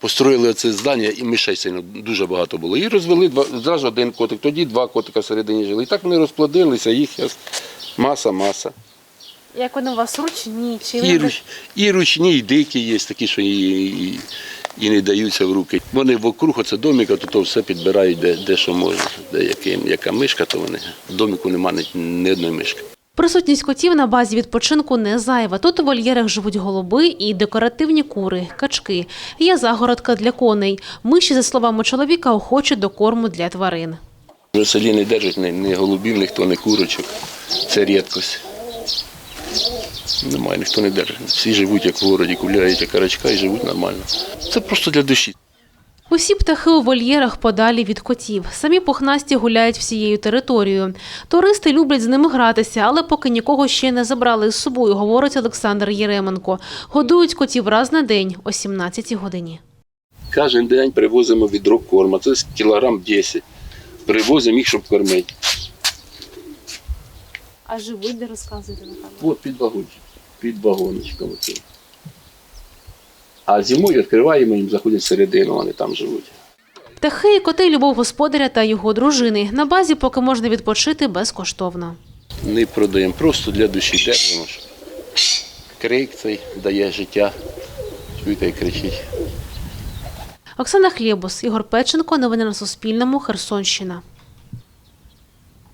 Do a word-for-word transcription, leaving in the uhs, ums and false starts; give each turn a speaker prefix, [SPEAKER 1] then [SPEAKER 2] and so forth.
[SPEAKER 1] построїли це здання, і мишей сильно дуже багато було. І розвели два, зразу один котик, тоді два котика всередині жили. І так вони розплодилися, їх маса-маса.
[SPEAKER 2] Як вони у вас ручні? Чи
[SPEAKER 1] І, руч, і ручні, і дикі є, такі, що і, і, і не даються в руки. Вони вокруг оце домика, то, то все підбирають, де, де що можна. Де яка, яка мишка, то вони. В домику немає ні, ні одної мишки.
[SPEAKER 2] Присутність котів на базі відпочинку не зайва. Тут у вольєрах живуть голуби і декоративні кури, качки. Є загородка для коней. Миші, за словами чоловіка, охочі до корму для тварин.
[SPEAKER 1] В селі не держать ні, ні голубів, ніхто, ні курочок. Це рідкость. Немає, ніхто не держить. Всі живуть, як в городі, гуляють, як карачка, і живуть нормально. Це просто для душі.
[SPEAKER 2] Усі птахи у вольєрах подалі від котів. Самі пухнасті гуляють всією територією. Туристи люблять з ними гратися, але поки нікого ще не забрали з собою, говорить Олександр Єременко. Годують котів раз на день о сімнадцятій годині.
[SPEAKER 1] Кожен день привозимо відро корма, це кілограм десять. Привозимо їх, щоб кормити.
[SPEAKER 2] А живуть, де розказуєте?
[SPEAKER 1] От під вагончиком, під вагончиком. А зимою відкриваємо, їм заходять всередину, вони там живуть.
[SPEAKER 2] Птахи і коти – любов господаря та його дружини. На базі поки можна відпочити безкоштовно.
[SPEAKER 1] Не продаємо, просто для душі держимо. Крик цей дає життя, чуєте, і кричить.
[SPEAKER 2] Оксана Хлєбус, Ігор Печенко. Новини на Суспільному. Херсонщина.